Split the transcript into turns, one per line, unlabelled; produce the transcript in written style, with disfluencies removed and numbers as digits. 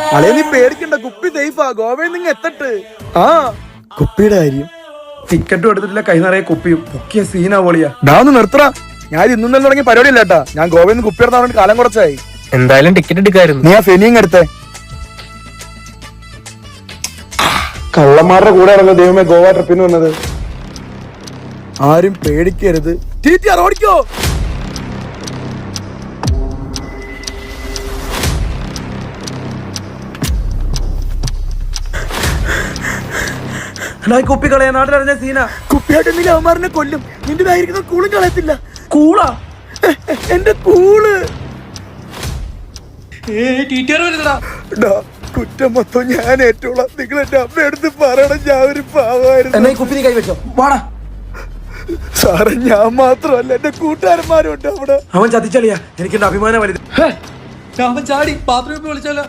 അളേ നീ പേടിക്കണ്ട, കുപ്പി സേഫാ. ഗോവയിൽ നിങ്ങൾ എത്തട്ട്. ആ കുപ്പിയുടെ കാര്യം
ടിക്കറ്റും എടുത്തിട്ടില്ല, കൈ നിറയെ കുപ്പിയും. പൊക്കിയ സീനാ പോളിയാ.
ഡാ ഒന്ന് നിർത്തറ. ഞാൻ ഇന്നും തുടങ്ങിയ പരിപാടി ഇല്ലാട്ടാ. ഞാൻ ഗോവയിൽ നിന്ന് കുപ്പി എടുത്താൻ വേണ്ടി കാലം കുറച്ചായി.
എന്തായാലും ടിക്കറ്റ് എടുക്കായിരുന്നു.
നീ ആ ഫെനിയും എടുത്തേ.
കള്ളന്മാരുടെ കൂടെ ആണല്ലോ ദൈവമേ ഗോവ ട്രിപ്പിന് വന്നത്.
ആരും പേടിക്കരുത്. ഓടിക്കോ.
കുപ്പി കളയാ, നാട്ടിലറിഞ്ഞ സീന.
കുപ്പിയായിട്ട് അവന്മാരനെ കൊല്ലും. നിന്റെ കയ്യിരിക്കുന്ന കൂളും കളയത്തില്ല.
കൂളാ
എന്റെ കൂള്.
ഡാ,
കുറ്റം മൊത്തം ഞാൻ ഏറ്റോളാം. നിങ്ങൾ എന്റെ അമ്മ എടുത്ത് പറയണം, ഞാൻ ഒരു പാവായിരുന്നു.
എന്നാ ഈ കുപ്പി നീ കൈവച്ചോ. വാടാ
സാറേ, ഞാൻ മാത്രമല്ല എന്റെ കൂട്ടുകാരന്മാരും ഉണ്ട് അവിടെ.
അവൻ ചതിച്ചളിയാ. എനിക്ക് എന്റെ അഭിമാനം വലുത്.
അവൻ ചാടി ബാത്റൂമിൽ വിളിച്ചാലോ.